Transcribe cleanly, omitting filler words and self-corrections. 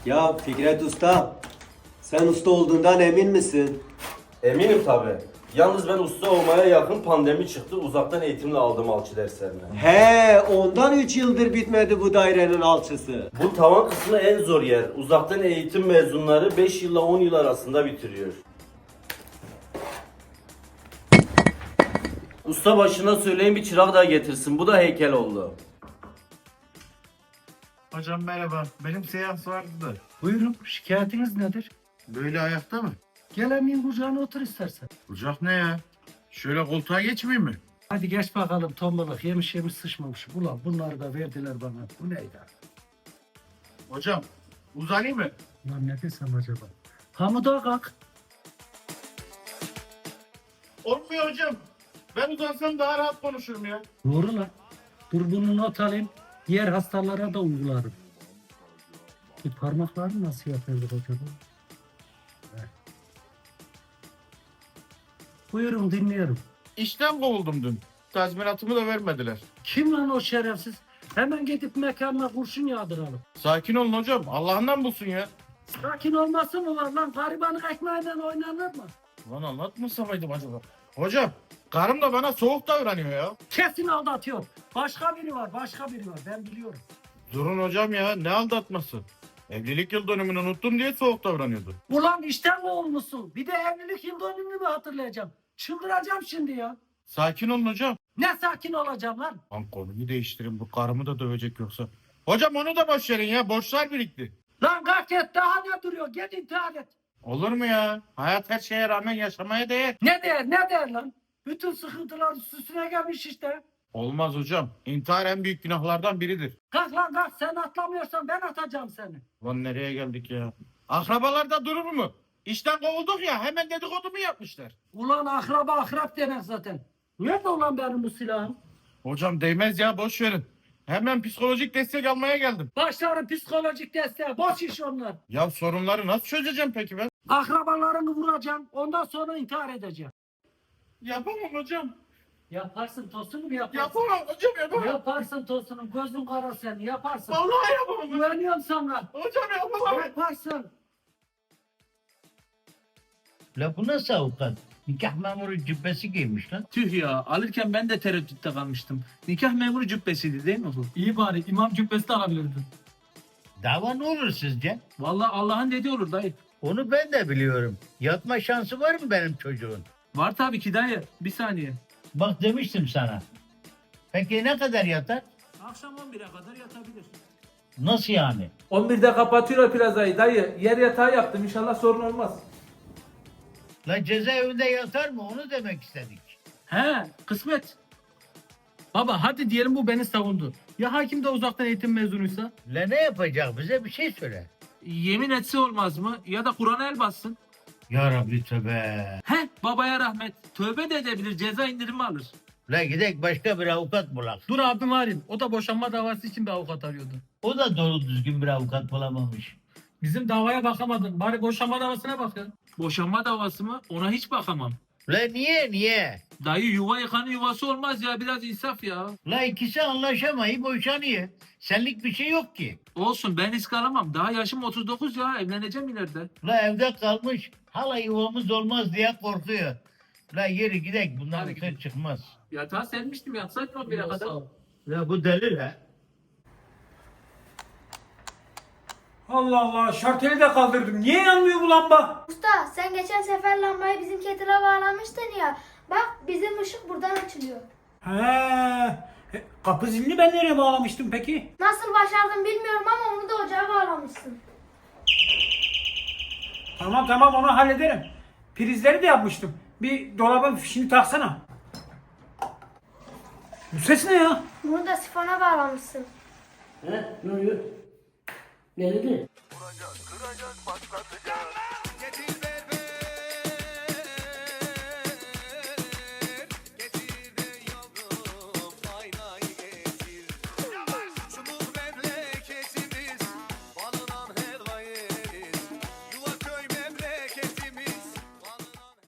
Ya Fikret Usta, sen usta olduğundan emin misin? Eminim tabi. Yalnız ben usta olmaya yakın pandemi çıktı. Uzaktan eğitimle aldım alçı derslerini. He, ondan 3 yıldır bitmedi bu dairenin alçısı. Bu tavan kısmı en zor yer. Uzaktan eğitim mezunları 5 yılla 10 yıl arasında bitiriyor. Usta başına söyleyin bir çırak daha getirsin. Bu da heykel oldu. Hocam merhaba. Benim seans vardı da. Buyurun, şikayetiniz nedir? Böyle ayakta mı? Gel emin kucağına otur istersen. Kucak ne ya? Şöyle koltuğa geçmeyeyim mi? Hadi geç bakalım tombalık, yemiş yemiş sıçmamış. Ulan bunları da verdiler bana. Bu neydi? Hocam uzanayım mı? Lan ne desem acaba? Hamuda kalk. Olmuyor hocam. Ben uzansam daha rahat konuşurum ya. Doğru lan. Dur bunu not alayım. Diğer hastalara da uygularım. Parmakları nasıl yapıyorduk acaba? Heh. Buyurun dinliyorum. İşten kovuldum dün. Tazminatımı da vermediler. Kim lan o şerefsiz? Hemen gidip mekanına kurşun yağdıralım. Sakin olun hocam. Allah'ından bulsun ya. Sakin olması mı var lan? Garibanın ekmeğiyle oynanır mı? Lan anlatmasamaydım acaba. Hocam karım da bana soğuk davranıyor ya. Kesin aldatıyor. Başka biri var, başka biri var. Ben biliyorum. Durun hocam ya, ne aldatması? Evlilik yıl dönümünü unuttum diye soğuk davranıyordu. Ulan işten kovulmuşsun. Bir de evlilik yıl dönümünü mü hatırlayacağım? Çıldıracağım şimdi ya. Sakin olun hocam. Ne sakin olacağım lan? Lan konuyu değiştirin, bu karımı da dövecek yoksa. Hocam onu da boş verin ya, borçlar birikti. Lan kalk et, daha ne duruyor? Git intihar et. Olur mu ya? Hayat her şeye rağmen yaşamaya değer. Ne der, ne der lan? Bütün sıkıntılar üstüne gelmiş işte. Olmaz hocam. İntihar en büyük günahlardan biridir. Kalk lan kalk, sen atlamıyorsan ben atacağım seni. Lan nereye geldik ya? Akrabalarda durur mu? İşten kovulduk ya, hemen dedikodu mu yapmışlar? Ulan akraba akrap demek zaten. Nerede ulan benim bu silahım? Hocam değmez ya, boş verin. Hemen psikolojik destek almaya geldim. Başlarım psikolojik desteğe, boş iş onlar. Ya sorunları nasıl çözeceğim peki ben? Akrabalarını vuracağım, ondan sonra intihar edeceğim. Yapamam hocam. Yaparsın tosunu yaparsın. Yapamam hocam, yapamam. Yaparsın tosunu, gözün kara sen yaparsın. Vallahi yapamam. Güveniyorum sana. Hocam yapamam. Yaparsın. La bu nasıl avukat? Nikah memuru cübbesi giymiş lan. Tüh ya, alırken ben de tereddütte kalmıştım. Nikah memuru cübbesiydi değil mi bu? İyi bari, imam cübbesi de alabilirdin. Dava ne olur sizce? Vallahi Allah'ın dediği olur dayı. Onu ben de biliyorum. Yatma şansı var mı benim çocuğun? Var tabii ki dayı. Bir saniye. Bak demiştim sana. Peki ne kadar yatar? Akşam 11'e kadar yatabilir. Nasıl yani? 11'de kapatıyorlar plazayı dayı. Yer yatağı yaptım inşallah sorun olmaz. La cezaevinde yatar mı? Onu demek istedik. He, kısmet. Baba hadi diyelim bu beni savundu. Ya hakim de uzaktan eğitim mezunuysa? La ne yapacak, bize bir şey söyle. Yemin etse olmaz mı? Ya da Kur'an'a el bassın. Ya Rabbi tövbe. He, babaya rahmet. Tövbe de edebilir, ceza indirimi alır. La gidek başka bir avukat bulak. Dur abim arayayım. O da boşanma davası için bir avukat arıyordu. O da doğru düzgün bir avukat bulamamış. Bizim davaya bakamadın. Bari boşanma davasına bak ya. Boşanma davası mı? Ona hiç bakamam. La niye? Dayı yuva yıkanın yuvası olmaz ya. Biraz insaf ya. La ikisi anlaşamayıp boşanıyor. Senlik bir şey yok ki. Olsun ben risk alamam. Daha yaşım 39 ya. Evleneceğim ileride. La evde kalmış, hala yuvamız olmaz diye korkuyor. La yeri gidek, bundan Hadi bir şey çıkmaz. Yatağa sermiştim. Yatsaydın 11'e kadar. La bu deli la. Allah Allah şarteli de kaldırdım. Niye yanmıyor bu lamba? Usta sen geçen sefer lambayı bizim kettle'a bağlamıştın ya. Bak bizim ışık buradan açılıyor. He. Kapı zilini ben nereye bağlamıştım peki? Nasıl başardın bilmiyorum ama onu da ocağa bağlamışsın. Tamam onu hallederim. Prizleri de yapmıştım. Bir dolabın fişini taksana. Bu ses ne ya? Bunu da sifona bağlamışsın. He, ne oluyor? Ne dedi? Kıracak, patlatacak.